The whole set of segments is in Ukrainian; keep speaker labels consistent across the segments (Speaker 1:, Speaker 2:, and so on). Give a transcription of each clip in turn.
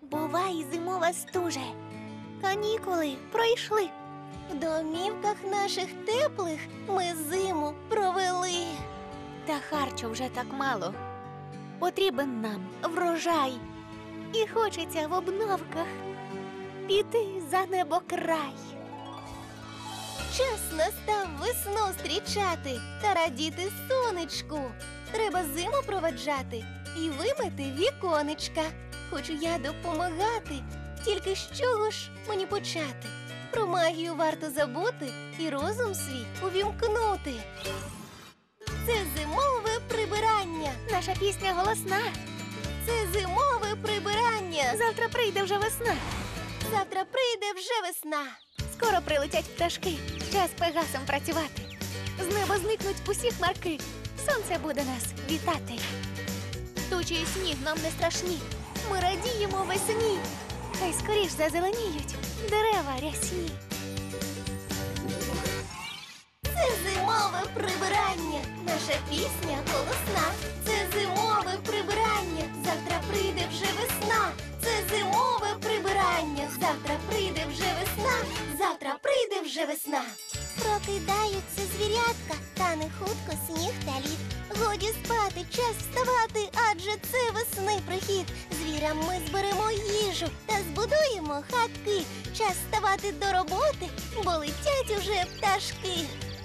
Speaker 1: Бувай, зимова стуже. Канікули пройшли.
Speaker 2: В домівках наших теплих ми зиму провели.
Speaker 1: Та харчу вже так мало. Потрібен нам врожай. І хочеться в обновках піти за небокрай.
Speaker 2: Час настав весну зустрічати та радіти сонечку. Треба зиму проведжати і вимити віконечка. Хочу я допомагати, тільки з чого ж мені почати? Про магію варто забути і розум свій увімкнути. Це зимове прибирання.
Speaker 1: Наша пісня голосна.
Speaker 2: Це зимове прибирання.
Speaker 1: Завтра прийде вже весна.
Speaker 2: Завтра прийде вже весна.
Speaker 1: Скоро прилетять пташки. Час пегасом працювати. З неба зникнуть усі хмарки. Сонце буде нас вітати. Тучі і сніг нам не страшні. Ми радіємо весні. Хай скоріш зазеленіють дерева рясні.
Speaker 2: Це зимове прибирання. Наша пісня голосна. Це зимове прибирання. Завтра прийде вже весна. Це зимове прибирання. Завтра прийде вже весна. Завтра прийде вже весна. Прокидаються звірятка, тане хутко сніг та лід. Годі спати, час вставати, адже це весни прихід. Звірам ми зберемо їжу та збудуємо хатки. Час вставати до роботи, бо летять уже пташки.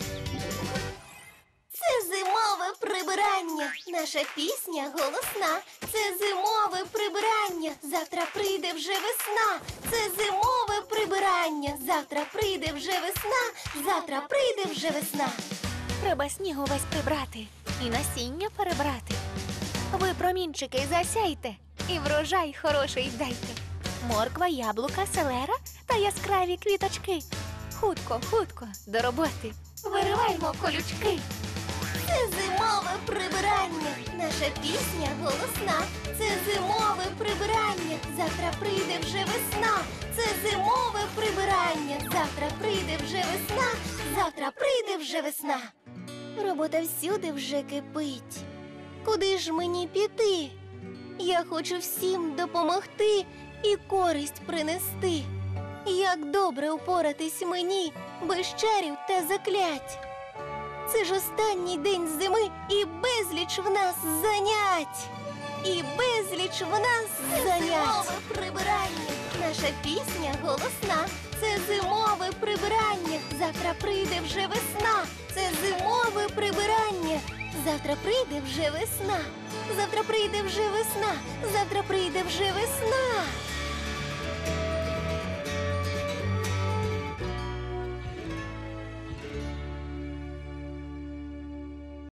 Speaker 2: Це зимове прибирання. Наша пісня голосна. Це зимове прибирання. Завтра прийде вже весна. Це зимове прибирання. Завтра прийде вже весна. Завтра прийде вже весна.
Speaker 1: Треба снігу весь прибрати і насіння перебрати. Ви, промінчики, засяйте і врожай хороший дайте. Морква, яблука, селера та яскраві квіточки. Хутко, хутко до роботи. Вириваймо колючки.
Speaker 2: Це зимове прибирання. Наша пісня голосна. Це зимове прибирання. Завтра прийде вже весна. Це зимове прибирання. Завтра прийде вже весна. Завтра прийде вже весна. Робота всюди вже кипить. Куди ж мені піти? Я хочу всім допомогти і користь принести. Як добре упоратись мені без чарів та заклять. Це ж останній день зими і безліч в нас занять. І безліч в нас занять. Це зимове прибирання. Наша пісня голосна. Це зимове прибирання. Завтра прийде вже весна. Це зимове прибирання. Завтра прийде вже весна. Завтра прийде вже весна. Завтра прийде вже весна.